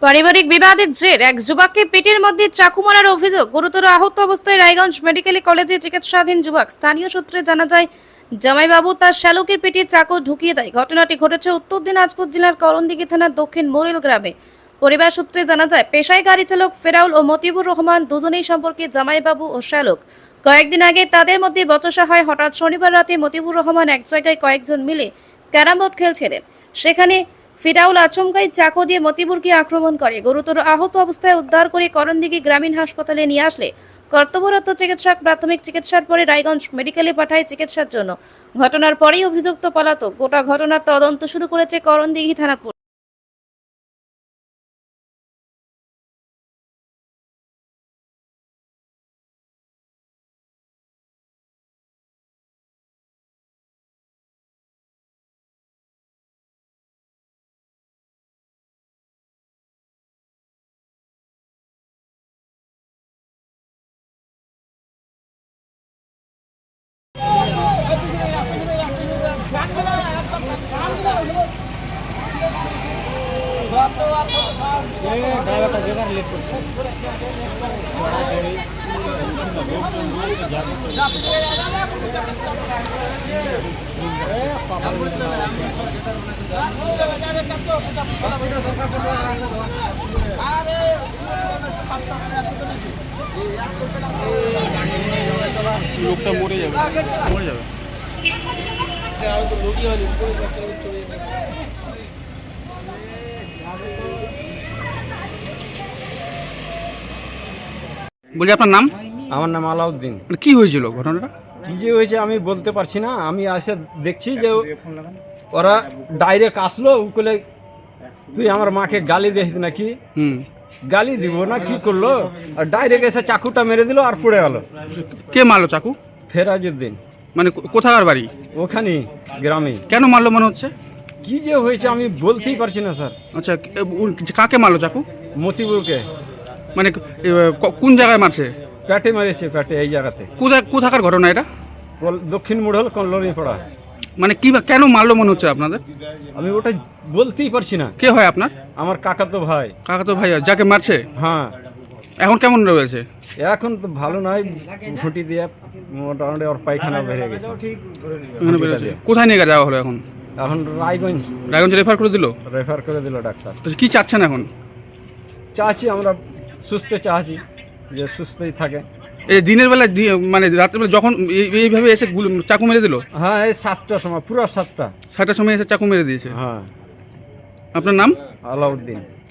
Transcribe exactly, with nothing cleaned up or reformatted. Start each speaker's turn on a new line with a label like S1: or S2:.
S1: পারিবারিক বিবাদের জের এক যুবককে পেটের মধ্যে চাকু মারার অভিযোগ। গুরুতর আহত অবস্থায় রায়গঞ্জ মেডিকেল কলেজে চিকিৎসাধীন যুবক। স্থানীয় সূত্রে জানা যায়, জামাইবাবু তার শ্যালকের পেটে চাকু ঢুকিয়ে দেয়। ঘটনাটি ঘটেছে উত্তর দিনাজপুর জেলার করণদিঘি থানার দক্ষিণ মোরেল গ্রামে। পরিবার সূত্রে জানা যায়, পেশায় গাড়ি চালক ফেরাউল ও মতিবুর রহমান দুজনেই সম্পর্কে জামাইবাবু ও শ্যালক। কয়েকদিন আগে তাদের মধ্যে বচসা হয়। হঠাৎ শনিবার রাতে মতিবুর রহমান এক জায়গায় কয়েকজন মিলে ক্যারাম বোর্ড খেলছিলেন। সেখানে ফিরাউল আচমকাই চাকু দিয়ে মতিবুরকে আক্রমণ করে। গুরুতর আহত অবস্থায় উদ্ধার করে করণদিঘি গ্রামীণ হাসপাতালে নিয়ে আসলে কর্তব্যরত চিকিৎসক প্রাথমিক চিকিৎসার পরে রায়গঞ্জ মেডিকেলে পাঠায় চিকিৎসার জন্য। ঘটনার পরেই অভিযুক্ত পলাতক। গোটা ঘটনার তদন্ত শুরু করেছে করণদিঘি থানার পুলিশ।
S2: লোকটা মরে যাবে মরে যাবে
S3: বলি আপনার নাম?
S4: আমার নাম আলাউদ্দিন।
S3: মানে কি হয়েছিল ঘটনাটা?
S4: কি যে হয়েছে আমি বলতে পারছি না। আমি এসে দেখছি যে ওরা ডাইরেক্ট আসলো, উকলে তুই আমার মাকে গালি দিস নাকি,
S3: হুম
S4: গালি দিব না কি করলো, আর ডাইরেক্ট এসে চাকুটা মেরে দিল আর পড়ে গেল।
S3: কে মারলো চাকু?
S4: ফেরাজউদ্দিন।
S3: মানে কো- কোথাকার বাড়ি?
S4: ওখানে গ্রামে।
S3: কেন মারলো মনে হচ্ছে?
S4: কি যে হয়েছে আমি বলতেই পারছি না স্যার।
S3: আচ্ছা, এ, উ- কাকে মারলো চাকু?
S4: মতিবুরকে
S3: মানে এ, ক- কোন জায়গায় মারছে?
S4: পেটে মেরেছে, পেটে এই জায়গাতে।
S3: কোথায় কোথাকার ঘটনা এটা?
S4: কল- দক্ষিণ মুড়ল কল্লনি পড়া।
S3: মানে কি কেন মারলো মনে হচ্ছে আপনাদের?
S4: আমি ওটা বলতেই পারছি না।
S3: কে হয় আপনার?
S4: আমার কাকা তো ভাই।
S3: কাকা তো ভাই যাকে মারছে
S4: হ্যাঁ,
S3: এখন কেমন রয়েছে?
S4: এখন তো ভালো নয়, ঘুঁটি দিয়ে মোটামুটি ওর পায়খানা বেড়ে গেছে।
S3: এখানে বেরোচ্ছে। কোথায় নিয়ে যাওয়া হলো এখন?
S4: এখন রায়গঞ্জ
S3: রায়গঞ্জ রেফার করে দিল?
S4: রেফার করে দিল ডাক্তার।
S3: তো কি চাচ্ছেন এখন?
S4: চাচ্ছি আমরা সুস্থ চাচ্ছি, যে সুস্থই থাকে।
S3: এই দিনের বেলা দি- মানে রাত্রেবেলা যখন এই- এইভাবে এসে গুলি- চাকু মেরে দিল?
S4: হ্যাঁ, এই সাতটার সময়, পুরো সাতটা।
S3: সাতটার সময় এসে চাকু মেরে দিয়েছে।
S4: হ্যাঁ,
S3: আপনার নাম?
S4: আলাউদ্দিন।